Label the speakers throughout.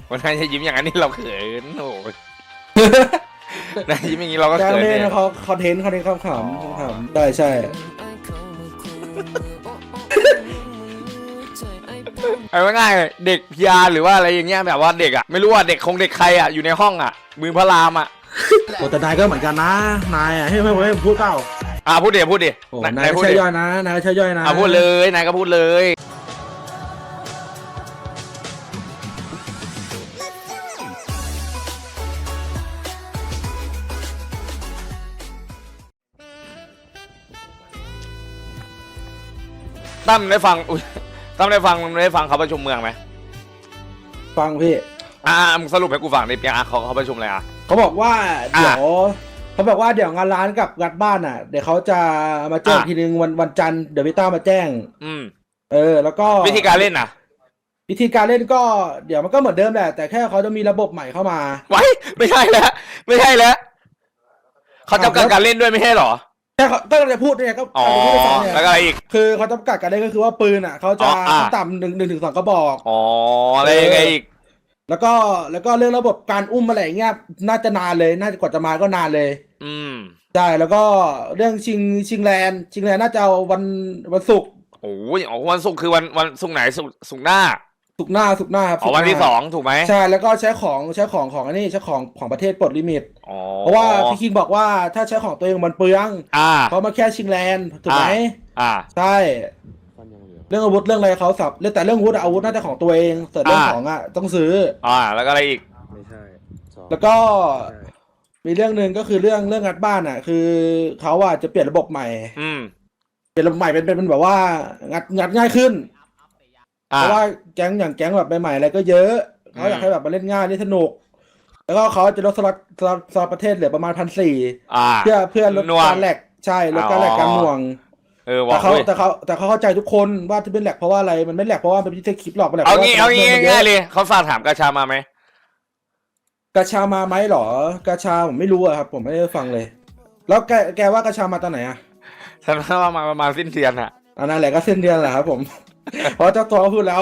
Speaker 1: วันนั้นจะยิ้มอย่างนั้นนี่เราเขินโอ้ยนายยิ้มอย่างนี้เราก็
Speaker 2: การ
Speaker 1: เขิน
Speaker 2: เล่น
Speaker 1: เนี่ย
Speaker 2: เขาคอนเทนต์ขำๆได้ใช่
Speaker 1: เอาง่ายๆเด็กพิยาหรือว่าอะไรอย่างเงี้ยแบบว่าเด็กอ่ะไม่รู้ว่าเด็กคงเด็กใครอ่ะอยู่ในห้องอ่ะมือพระรามอ่ะ
Speaker 2: โอ้แต่นายก็เหมือนกันนะนายอ่ะให้พูดเปล่า
Speaker 1: พูดดิพูดดิ
Speaker 2: โอ้นาย
Speaker 1: พูด
Speaker 2: ใช่
Speaker 1: ดิ
Speaker 2: ย่อยนะนายใช่ย่อยนะ
Speaker 1: พูดเลยนายก็พูดเลยตั้มได้ฟังอุ๊ยตั้มได้ฟังเขาประชุมเมืองไหม
Speaker 2: ฟังพี่
Speaker 1: มึงสรุปให้กูฟังดิเปียเขาประชุมอะไรอ่ะ
Speaker 2: เขาบอกว่าเดี๋ยวเขาบอกว่าเดี๋ยวงานร้านกับงานบ้านอ่ะเดี๋ยวเขาจะมาแจ้งทีนึงวันจันทร์เดี๋ยวพี่ต้ามาแจ้งแล้วก็
Speaker 1: วิธีการเล่นน่ะ
Speaker 2: วิธีการเล่นก็เดี๋ยวมันก็เหมือนเดิมแหละแต่แค่เขาจะมีระบบใหม่เข้ามา
Speaker 1: ไว้ไม่ใช่แล้วเขาจำกัดการเล่นด้วยไม่ใช่หรอ
Speaker 2: แค่เขาก็จะพูดเนี่ยก็
Speaker 1: พูดให้ฟังแล้วก็อะไรอีก
Speaker 2: คือเขาจำกัดการเล่นก็คือว่าปืนอ่ะเขาจะต่ำ1 ถึง 2กระบอก
Speaker 1: อะไรยังไงอีก
Speaker 2: แล้วก็เรื่องระบบการอุ้มอะไรอย่างเงี้ยน่าจะนานเลยน่าจะกว่าจะมาก็นานเลยใช่แล้วก็เรื่องชิงแลนด์น่าจะเอาวันศุกร์
Speaker 1: โอ้ยวันศุกร์คือวันศุกร์ไหนศุกร์หน้า
Speaker 2: ครับ
Speaker 1: วันที่2ถูกไหม
Speaker 2: ใช่แล้วก็ใช้ของอันนี้ใช้ของประเทศปลดลิมิตเพราะว่าพี่คิงบอกว่าถ้าใช้ของตัวเองมันเปลืองเพราะมาแค่ชิงแลนด์ถูกไหมใช่เรื่องอาวุธเรื่องอะไรเขาสับเรื่องแต่เรื่องอาวุธน่าจะของตัวเองส่วนเรื่องของต้องซื้อ
Speaker 1: แล้วก็อะไรอีก
Speaker 2: ไม่ใช่แล้วก็มีเรื่องหนึ่งก็คือเรื่องงัดบ้านคือเขาจะเปลี่ยนระบบใหม่เปลี่ยนระบบใหม่เป็นแบบว่างัดง่ายขึ้นเพราะว่าแก๊งแบบใหม่ๆอะไรก็เยอะเขาอยากให้แบบมาเล่นง่ายเล่นสนุกแล้วก็เขาจะลดสล็อตประเทศเหลือประมาณ1,400เพื่อลดการแหลกใช่ลดการแหลกการหน่วงแต่เขาเข้าใจทุกคนว่าที่เป็นแหลกเพราะว่าอะไรมันไม่แหลกเพราะว่าเป็นที่เทคคลิปหรอกมันแหลก
Speaker 1: เอางี้ง่ายเลยเขาฝากถามกาชามาไหม
Speaker 2: กาชามาไหมหรอกาชาผมไม่รู้อะครับผมไม่ได้ฟังเลยแล้วแกว่ากาชามาตอนไหนอะ
Speaker 1: ฉันว่ามาประมาณสิ้นเดือนอะ
Speaker 2: นั่นแหละก็สิ้นเดือนแหละครับผมเพราะเจ้าตัวพูดแล้ว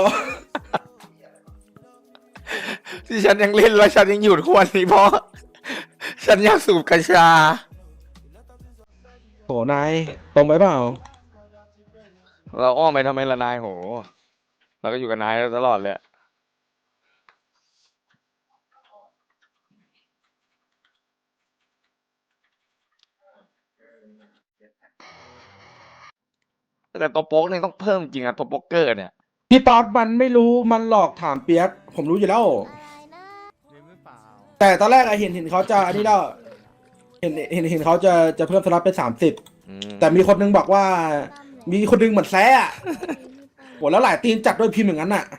Speaker 1: ที่ฉันยังเล่นแล้วฉันยังอยู่ทุกวันนี้เพราะฉันอยากสูบกัญชา
Speaker 2: โหนายตรงไปเปล่า
Speaker 1: เราอ้อมไปทำไมละนายโหเราก็อยู่กับนายตลอดเลยแต่ตัวโป๊กเนี่ยต้องเพิ่มจริงอะตัวโป๊กเกอร์เนี่ย
Speaker 2: พี่ป๊อตมันไม่รู้มันหลอกถามเปียกผมรู้อยู่แล้วแต่ตอนแรกเห็นเขาจะอันนี้แล้วเห็นเขาจะเพิ่มสล็อตเป็น30แต่มีคนนึงบอกว่ามีคนนึงเหมือนแซ่โหแล้วหลายตีนจัดด้วยพิมพ์อย่างนั้นน่ะ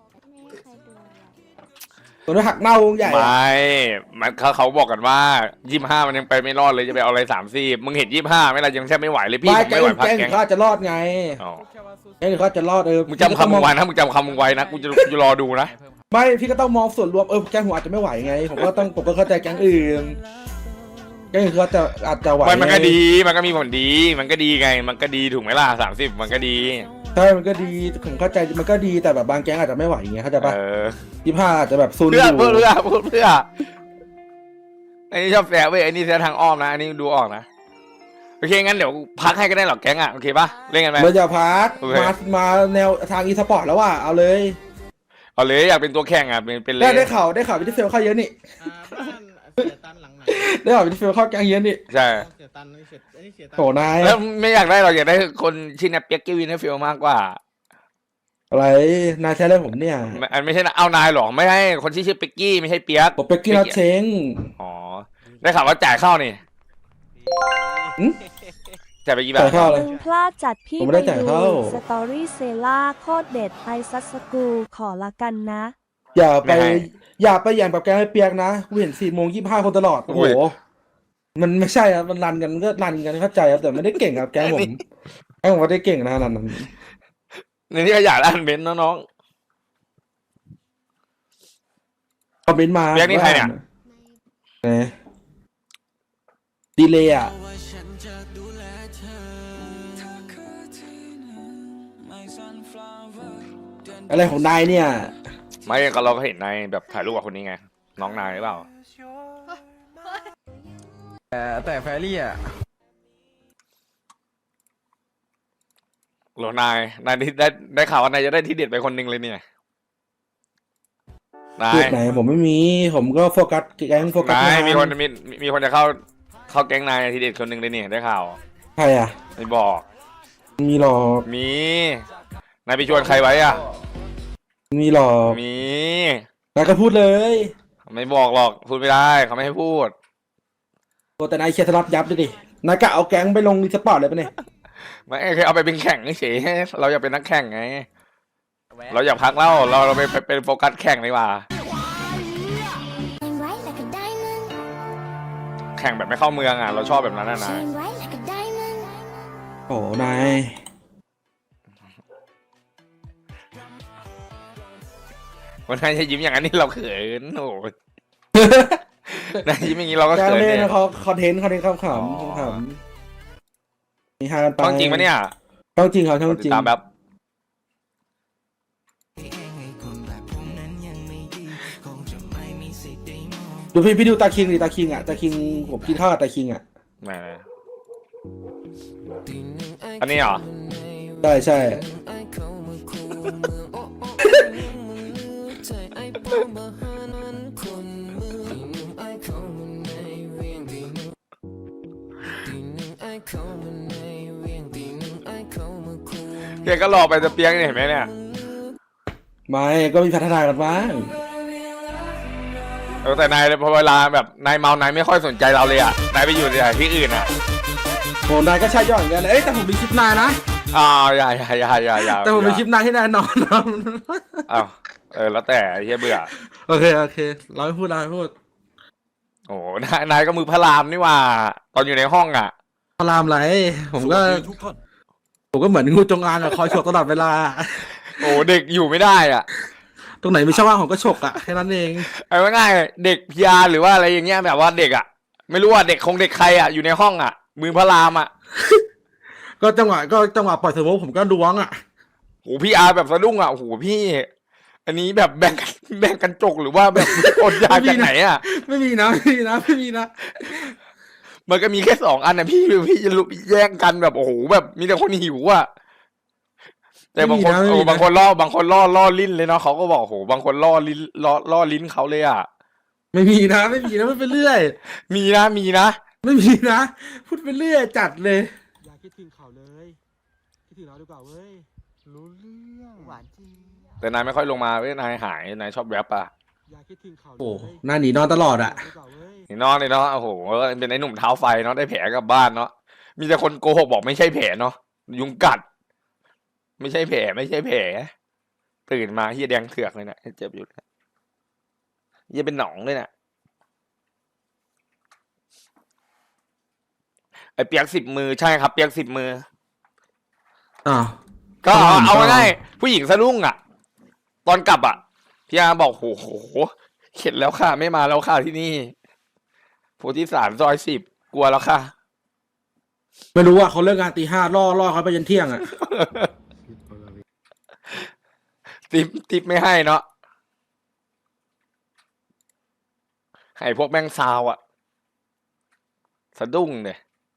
Speaker 2: ตัวนี้หักเน่าวงใหญ่
Speaker 1: ไม่มันเขาบอกกันว่า25มันยังไปไม่รอดเลยจะไปเอาอะไร30มึงเห็น25ไหมล่ะยังแทบไม่ไหวเลยพี่ไม่ไหวพักแกง
Speaker 2: เขาจะรอดไงเขาจะรอด
Speaker 1: มึงจำคำมึงไว้นะมึงจำคำมึงไว้นะกูจะรอดูนะ
Speaker 2: ไม่พี่ก็ต้องมองส่วนรวมแก๊งหัวอาจจะไม่ไหวไงผมก็เข้าใจแก๊งอื่นแก๊งอื่นเขาอาจจะไหว
Speaker 1: มันก็ดีมันก็มีผลดีมันก็ดีไงมันก็ดีถูกไหมล่ะ30มันก็ดี
Speaker 2: ใช่มันก็ดีผมเข้าใจมันก็ดีแต่แบบบางแก๊งอาจจะไม่ไหวอย่างเงี้ยเข้าใจปะ25อาจจะแบบซูนอยู่
Speaker 1: เพื่อไอ้นี่ชอบแฝงเว้ยไอ้นี่แฝงทางอ้อมนะอันนี้ดูออกนะโอเคงั้นเดี๋ยวพักให้ก็ได้หรอกแก๊งโอเคปะเล่นกันไหม
Speaker 2: เราจะพักมาแนวทางอีสปอร์ตแล้วเอาเลย
Speaker 1: อยากเป็นตัวแข่งเป็นเลย
Speaker 2: ได้ข่าววิทเฟลเข้าเยอะนี่ได้ข่าววิทเฟลเข้าแก๊งเยอะนี่
Speaker 1: ใช่
Speaker 2: โหนาย
Speaker 1: แล้วไม่อยากได้เราอยากได้คนชินเปียกกี้วินให้ฟิลมากกว่า
Speaker 2: อะไรนายใช้อะไรผมเนี่ย
Speaker 1: ไม่ใช่เอานายหรอกไม่ให้คนที่ชื่อเปียกกี้ไม่ใช่เปียก
Speaker 2: ผมเปียกกี้นัดเชง
Speaker 1: ได้ข่าวว่าจ่ายเข้านี่จ่ายไปกี่บาท
Speaker 3: พลาดจัดพี่ไปดูสตอรี่เซล่าโคตรเด็ดไอซัสกูขอละกันนะ
Speaker 2: อย่าไปอย่างแบบแกให้เปียกนะกูเห็น4:25คนตลอดโอ้โหมันไม่ใช่ครับมันรันกันก็รันกันเข้าใจครับแต่ไม่ได้เก่งครับแกผมไม่ได้เก่งนะนั้น
Speaker 1: ในที่ขยะอ่านเบนซ์น้อง
Speaker 2: คอมเมนต์มา
Speaker 1: เปียกนี่ใครเนี่ย
Speaker 2: ดีเลยอะไรของนายเนี่ย
Speaker 1: ไม่ก็เราก็เห็นนายแบบถ่ายรูปกับคนนี้ไง น้องนายหรือเปล่า
Speaker 4: แต่แฟรี่อ่ะ
Speaker 1: หรอนายได้ข่าวว่านายจะได้ที่เด็ดไปคนหนึ่งเลยเนี่ยนา
Speaker 2: จุ
Speaker 1: ย
Speaker 2: ดไหนผมไม่มี ผมก็โฟกัสแก๊งโฟกัส
Speaker 1: นาย
Speaker 2: งาน
Speaker 1: มีคนจะเข้าแก๊งนายที่เด็ดคนหนึ่งเลยเนี่ยได้ข่าว
Speaker 2: ใครอ่ะ
Speaker 1: ไม่บอก
Speaker 2: มีหรอก
Speaker 1: มีนายไปชวนใครไว้อ่ะ
Speaker 2: มีหรอก
Speaker 1: มี
Speaker 2: นายก็พูดเลย
Speaker 1: ไม่บอกหรอกพูดไม่ได้เขาไม่ให้พูด
Speaker 2: โอ้แต่นายเคลียร์สล็อตยับเลยดินายกะเอาแก๊งไปลงรีสปอร์ตเลยปะเนี่ย
Speaker 1: ไม่เคยเอาไปเป็นแข่งเฉยๆเราอยากเป็นนักแข่งไง เราอยากพักเล่าเราไปเป็นโฟกัสแข่งดีกว่า
Speaker 5: Shine bright like a diamond.
Speaker 1: แข่งแบบไม่เข้าเมืองอ่ะ เราชอบแบบนั้นนะ
Speaker 5: Shine bright like a diamond.
Speaker 2: โอ้นาย
Speaker 1: วันนั้นจะยิ้มอย่างนั้นนี่เราเขินโอ้โห นายยิ้มอย่างนี้เราก็
Speaker 2: แก๊ง
Speaker 1: เขิน
Speaker 2: เล่
Speaker 1: เนี่ย
Speaker 2: นเขาคอนเทนต์ขำๆมีฮากันไป
Speaker 1: ต้องจริงปะเนี่ย
Speaker 2: ต้องจริงเขาต้อง
Speaker 1: ติ
Speaker 2: จริ
Speaker 1: ด
Speaker 2: ง
Speaker 1: ตามแบบ
Speaker 2: ดูพี่ดูตาคิงดิตาคิงอ่ะตาคิงผมกินข้าวกับตาคิงอ่ะ
Speaker 1: ไหนอันนี้เหรอ
Speaker 2: ใช่ใช่
Speaker 1: แกก็รอไปจะเปียงเนี่ยเห็นไหมเนี่ย
Speaker 2: ไม่ก็มีพัฒนากันบ้าง
Speaker 1: แต่นายพอเวลาแบบนายเมานายไม่ค่อยสนใจเราเลยอ่ะนายไปอยู่ที่อื่นอ่ะ
Speaker 2: โหนายก็ใช่ย่อยเหมือนกันเอ้ยแต่ผมมีคลิปนายนะ
Speaker 1: อย่า
Speaker 2: แต่ผมมีคลิปนายที่นายนอน
Speaker 1: อ้าวแล้วแต่ไอ้เหี้ยเบื่อ
Speaker 2: โอเคเราไม่พูดเราไม่พูด
Speaker 1: โอ้นายก็มือพระรามนี่ว่า ตอนอยู่ในห้องอ่ะ
Speaker 2: พารามไรผมก็เหมือนงูจงอางอะคอยฉกตลอดเวลา
Speaker 1: โอ้เด็กอยู่ไม่ได้อ่ะ
Speaker 2: ตรงไหนมีช่องว่างผมก็ฉกอะแค่นั้นเอง
Speaker 1: เอาง่ายๆเด็กพิยาหรือว่าอะไรอย่างเงี้ยแบบว่าเด็กอ่ะ ไม่รู้ว่าเด็กเด็กใครอ่ะอยู่ในห้องอ่ะ มือพระรามอ่ะ
Speaker 2: ก็จังหวะปล่อยเทอร์โบผมก็ล้วงอะ
Speaker 1: โหพี่อาร์แบบสะดุ้งอ่ะโหพี่ อันนี้แบบแบ่งกันจกหรือว่าแบบอดยาจากไหนอ่ะ
Speaker 2: ไม่มีนะ
Speaker 1: มันก็มีแค่2 อันนะพี่จะลุกแย่งกันแบบโอ้โหแบบมีแต่คนหิวอ่ะแต่บางคนบางคนล่อลิ้นเลยเนาะเขาก็บอกโหบางคนล่อลิ้นเขาเลยอ่ะ
Speaker 2: ไม่มีนะไม่เป็นเรื่อย
Speaker 1: มีนะ
Speaker 2: ไม่มีนะพูดไปเรื่อยจัดเลยอย่าคิดถึงเขาเลยคิดถึงเราดีกว่าเว้ยรู้เรื่องหวานจริง
Speaker 1: แต่นายไม่ค่อยลงมาเว้ยนายหายนายชอบแรปอ่ะ
Speaker 2: อย่าคิดถึงเขาโอ้หน้าหนีนอนตลอดอะ
Speaker 1: นี่นอนเลยเนาะโอ้โหเป็นไอ้หนุ่มเท้าไฟเนาะได้แผลกลับบ้านเนาะมีแต่คนโกหกบอกไม่ใช่แผลเนาะยุงกัด ไม่ใช่แผลตื่นมาเฮียแดงเถือกเลยนะเจ็บอยู่เฮียเป็นหนองเลยเนี่ยไอเปียก10 มือใช่ครับ เปียก10 มือ
Speaker 2: อ้าว
Speaker 1: ก็เอาง่ายๆผู้หญิงสะดุ้งอ่ะ ตอนกลับอ่ะพี่อาบอกโหเข็ดแล้วค่ะไม่มาแล้วค่ะที่นี่โพธิสารซอย10กลัวแล้วค่ะ
Speaker 2: ไม่รู้ว่าเขาเลิกงานตี 5ล่อเขาไปยันเที่ยงอะ
Speaker 1: ติปไม่ให้เนาะให้พวกแม่งซาวอ่ะสะดุ้งเนี่ย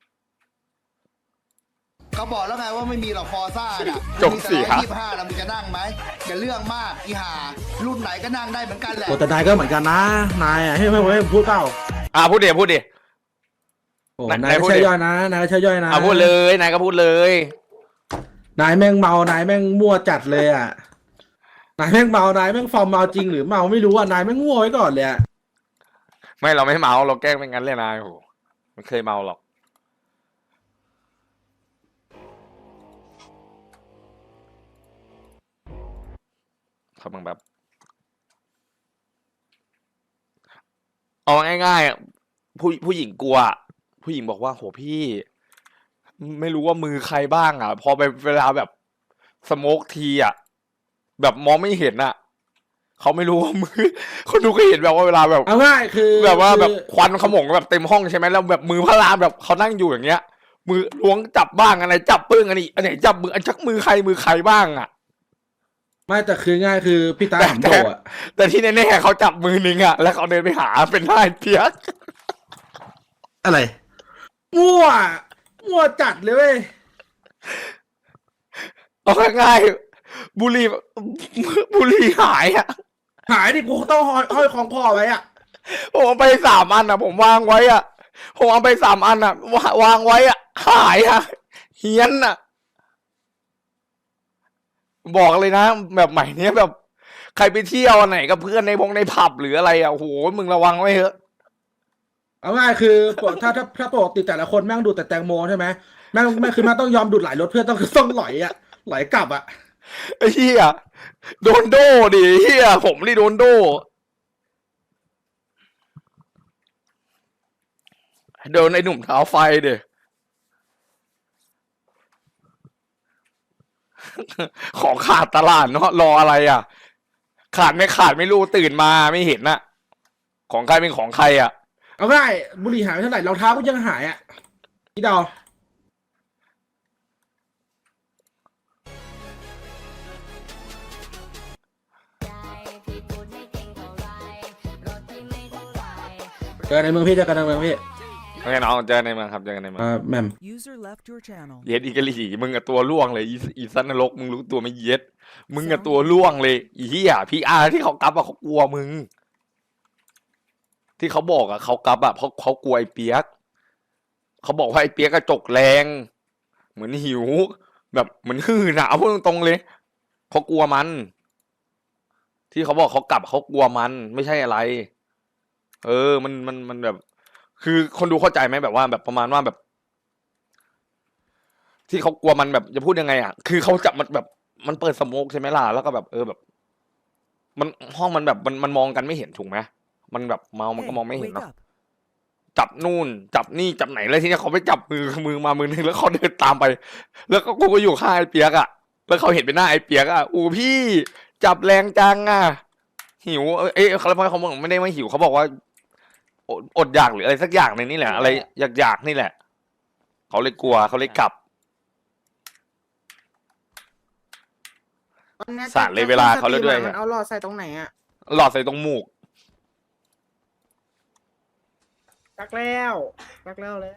Speaker 6: เขาบอกแล้วไงว่าไม่มีหรอกฟอร์ซ่าน่ะ
Speaker 1: จบเสีย
Speaker 6: มีแต่125นะมึงจะนั่งไหมอย่าเรื่องมากอีห่ารุ่นไหนก็นั่งได้เหมือนกันแหละ
Speaker 2: โอ้แต่นายก็เหมือนกันนะนายอะให้พูดเปล่า
Speaker 1: พูดดิ
Speaker 2: โอ้
Speaker 1: นาย
Speaker 2: นาย
Speaker 1: พู
Speaker 2: ก็
Speaker 1: ดดิ
Speaker 2: ใช่ย่อยนะนายก็ใช่ย่อยนะ
Speaker 1: พูดเลยนายก็พูดเลย
Speaker 2: นายแม่งเมานายแม่งมั่วจัดเลยอะนายแม่งเมานายแม่งฟอร์มเมาจริงหรือเมาไม่รู้อะนายแม่งมั่วไว้ก่อนเลยอะ
Speaker 1: ไม่เราไม่เมาเราแกล้งเป็นงั้นเลยนายโหไม่เคยเมาหรอกเขาบังแบบเอาง่ายๆอะผู้หญิงกลัวผู้หญิงบอกว่าโหพี่ ไม่รู้ว่ามือใครบ้างอ่ะ พอไปเวลาแบบสโมกทีอ่ะแบบมองไม่เห็นอ่ะเขาไม่รู้ว่ามือ คนดูก็เห็นแบบว่าเวลาแบบ
Speaker 2: เอาง่ายคือ
Speaker 1: แบบว่าแบบ
Speaker 2: คือ
Speaker 1: ควันขโมงแบบเต็มห้องใช่ไหมแล้วแบบมือพระรามแบบเขานั่งอยู่อย่างเงี้ย มือล้วงจับบ้างอะไรจับปึ้งอันนี้อันไหนจับมืออันชักมือใครบ้างอ่ะ
Speaker 2: ไม่แต่คือง่ายคือพี่ตาหำโดอ่ะ
Speaker 1: แต่ที่แน่ๆเขาจับมือนึงอะแล้วเขาเดินไปหาเป็นท่าไอ้เปียก
Speaker 2: อะไรมั่วมั่วจัดเลยเว้ย
Speaker 1: เอาง่ายๆบุหรี่หายอะ
Speaker 2: หายดิกูต้องห้อยของคอไว้อ่ะ
Speaker 1: ผมเอาไป3 อันอะผมวางไว้อะผมเอาไป3 อันอะวางไว้อะหายอะเฮี้ยนอะบอกเลยนะแบบใหม่เนี้ยแบบใครไปเที่ยวอันไหนกับเพื่อนในผับหรืออะไรอะโอ้โหมึงระวังไว้เถอะ
Speaker 2: เอาง่ายคือถ้าปกติแต่ละคนแม่งดูดแต่แตงโมใช่ไหมแม่งคือแม่งต้องยอมดูดหลายรถเพื่อต้องหลอยอ่ะหลอยกลับอ่ะ
Speaker 1: ไอ้เหี้ยโดนโดดิเหี้ยผมนี่โดนโดโดนไอ้หนุ่มเท้าไฟเด้ ของขาดตลาดเนาะรออะไรอ่ะ ขาดไม่รู้ตื่นมาไม่เห็นน่ะ ของใครเป็นของใครอ่ะ
Speaker 2: เอาง่ายบุหรี่หายไปเท่าไหร่รองเท้าก็ยังหายอ่ะพี่ดาว เจอในเมืองพี่เจอกันในเมืองพี่
Speaker 1: โอเคน้องเจอในเมืองครับเจอกันในเมือง
Speaker 2: แหม่ม
Speaker 7: User left your channel.
Speaker 1: เย็ดอีกะลี่มึงกับตัวล่วงเลยอีสันนรกมึงรู้ตัวไม่เย็ดมึงกับตัวล่วงเลยอีเหี้ยพี่อาร์ที่เขากลับอะเขากลัวมึง ที่เขาบอกอะเขากลับอะเพราะเขากลัวไอ้เปียกเขาบอกว่าไอ้เปียกกระจกแรง เหมือนหิว แบบเหมือนหื่นอะเอาพูดตรงๆเลยเขากลัวมัน ที่เขาบอกเขากลับเขากลัวมันไม่ใช่อะไร มันแบบ คือคนดูเข้าใจไหมแบบว่าแบบประมาณว่าแบบ ที่เขากลัวมันแบบจะพูดยังไงอ่ะ คือเขาจับมันแบบมันเปิดสโมกใช่ไหมล่ะแล้วก็แบบแบบ มันห้องมันแบบมันมองกันไม่เห็นถูกไหมมันแบบเมามันก็
Speaker 7: Hey,
Speaker 1: มองไม่เห็น
Speaker 7: wake
Speaker 1: เนาะ
Speaker 7: up.
Speaker 1: จับนู่นจับนี่จับไหนแล้วทีนี้เขาไปจับมือมามือนึงแล้วเขาเดินตามไป แล้วก็กูก็อยู่ข้างไอ้เปียกอ่ะแล้วเขาเห็นเป็นหน้าไอ้เปียกอ่ะอู้พี่จับแรงจังอ่ะหิวเขาแล้วเขาบอกไม่ได้ว่าหิวเขาบอกว่าอดอยากหรืออะไรสักอย่างในนี่แหละ อะไรอยากนี่แหละเขาเลยกลัวเขาเลยกลับ สารเลยเวลาเขาแล้วด้วย
Speaker 8: มันเอาหลอดใส่ตรงไหนอ่ะ
Speaker 1: หลอดใส่ตรงหมูก
Speaker 8: รักแล้วเลย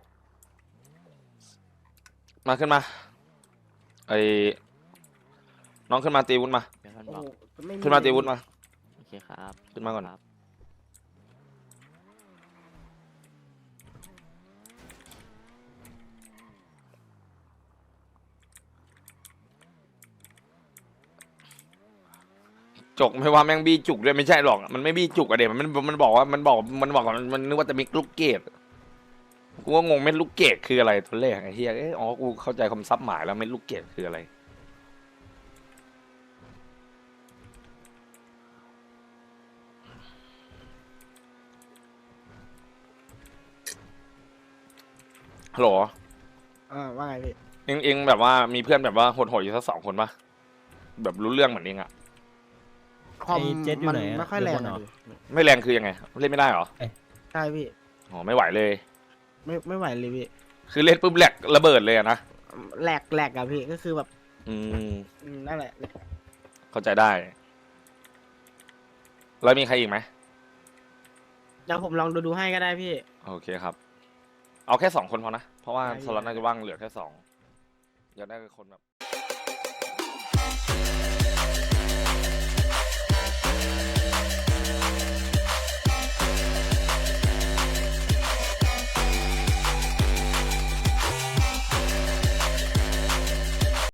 Speaker 1: มาขึ้นมาไอ้น้องขึ้นมาตีวุ้นมา
Speaker 8: โอ้โหไ
Speaker 1: ขึ้นมาตีวุ้นมา
Speaker 9: โอเคครับ
Speaker 1: ขึ้นมาก่อน
Speaker 9: ครับ
Speaker 1: จกไม่ว่าแม่งบี้จุกด้วยไม่ใช่หรอกมันไม่บี้จุกอะเด็มันบอกว่ามันนึกว่าจะมีลูกเกดกูก็งงเม็ดลูกเกดคืออะไรตอนแรกไอ้เฮียอ๋อกูเข้าใจคำซับหมายแล้วเม็ดลูกเกดคืออะไรฮัลโหล
Speaker 8: ว่าไงพี่
Speaker 1: เองแบบว่ามีเพื่อนแบบว่าโหดๆอยู่สัก2 คนปะแบบรู้เรื่องเหมือนเองอะ
Speaker 8: คอม
Speaker 9: ไอ้เจ็ดอยู่
Speaker 8: มัน
Speaker 9: ไหนอะ
Speaker 8: ไม่ค่อยแรง
Speaker 9: เดี๋ยวก่อน
Speaker 8: อะ
Speaker 9: เหรอ
Speaker 8: พี่
Speaker 1: ไม่แรงคือยังไงเล่นไม่ได้เหรอ
Speaker 8: ใช่พี่
Speaker 1: อ๋อไม่ไหวเลย
Speaker 8: ไม่ไหวเลยพี่
Speaker 1: คือเล่นปุ๊บแหลกระเบิดเลยอะนะ
Speaker 8: แหลกอะพี่ก็คือแบบ
Speaker 1: อืม
Speaker 8: นั่นแหละ
Speaker 1: เข้าใจได้ แล้วมีใครอีกไหม
Speaker 8: เดี๋ยวผมลองดูให้ก็ได้พี่
Speaker 1: โอเคครับ เอาแค่2 คนพอนะ เพราะว่า
Speaker 8: ได้
Speaker 1: สล็อตน่าจะว่างเหลือแค่2อยากได้คนแบบ